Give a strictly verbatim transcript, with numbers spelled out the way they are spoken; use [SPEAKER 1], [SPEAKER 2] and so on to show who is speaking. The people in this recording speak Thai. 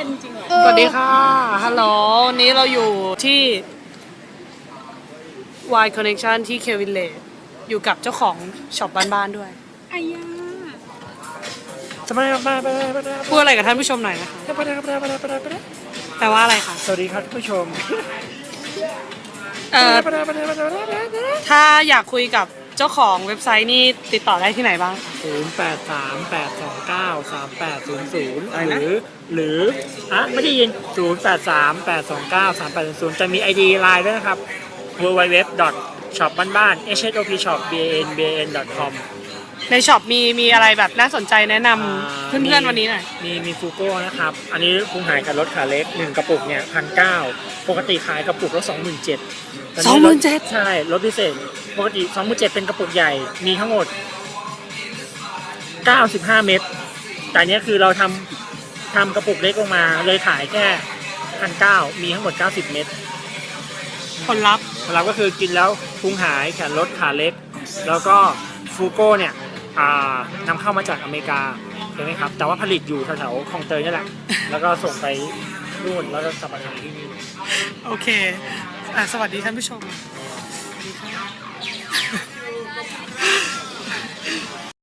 [SPEAKER 1] เป็นจริงเหรอ
[SPEAKER 2] สวัสดีค่ะฮัลโหลวันนี้เราอยู่ที่ Y Connection ที่ K Village อยู่กับเจ้าของช็อปบ้านๆด้วย
[SPEAKER 1] อายา
[SPEAKER 3] สวัสดีครับ
[SPEAKER 2] พูดอะไรกับท่านผู้ชมหน่อยนะคะแปลว่าอะไรคะ
[SPEAKER 3] สวัสดีครับท่านผู้ชม
[SPEAKER 2] เอ่อถ้าอยากคุยกับเจ้าของเว็บไซต์นี่ติดต่อได้ที่ไหนบ้าง
[SPEAKER 3] ศูนย์ แปด สาม แปด สอง เก้า สาม แปด ศูนย์ ศูนย์ หรือหรืออ่ะไม่ได้ยิน ศูนย์ แปด สาม แปด สอง เก้า สาม แปด ศูนย์ ศูนย์ จะมี ไอ ดี ไลน์ด้วยนะครับ ดับเบิลยู ดับเบิลยู ดับเบิลยู ดอท ช็อป บ้านๆ เอช เอช โอ พี ช็อป บี เอ เอ็น บี เอ เอ็น ดอท คอม
[SPEAKER 2] ในช็อปมีมีอะไรแบบน่าสนใจแนะนำเพื่อนๆวันนี้หน่อย
[SPEAKER 3] มีมีฟูโก้นะครับ อันนี้พุงหายกับรถขาเล็กหนึ่งกระปุกเนี่ยพันเก้าปกติขายกระปุกละสองหมื่นเจ็ด
[SPEAKER 2] สองหมื่นเจ็ด
[SPEAKER 3] ใช่รถพิเศษปกติสองหมื่นเจ็ดเป็นกระปุกใหญ่มีทั้งหมดเก้าสิบห้าเม็ดแต่เนี้ยคือเราทำทำกระปุกเล็กลงมาเลยขายแค่พันเก้ามีทั้งหมดเก้าสิบเม็ด
[SPEAKER 2] ผลลัพธ์
[SPEAKER 3] เราก็คือกินแล้วพุงหายแขนลดขาเล็กแล้วก็ฟูโก้เนี่ยอ่านำเข้ามาจากอเมริกาใช่ไหมครับแต่ว่าผลิตอยู่แถวๆคลองเตยนี่แหละแล้วก็ส่งไปนู่นแล้วก็กลับมาขายที่นี่
[SPEAKER 2] โอเคอ่ะสวัสดีท่านผู้ชมสวัสดีค่ะ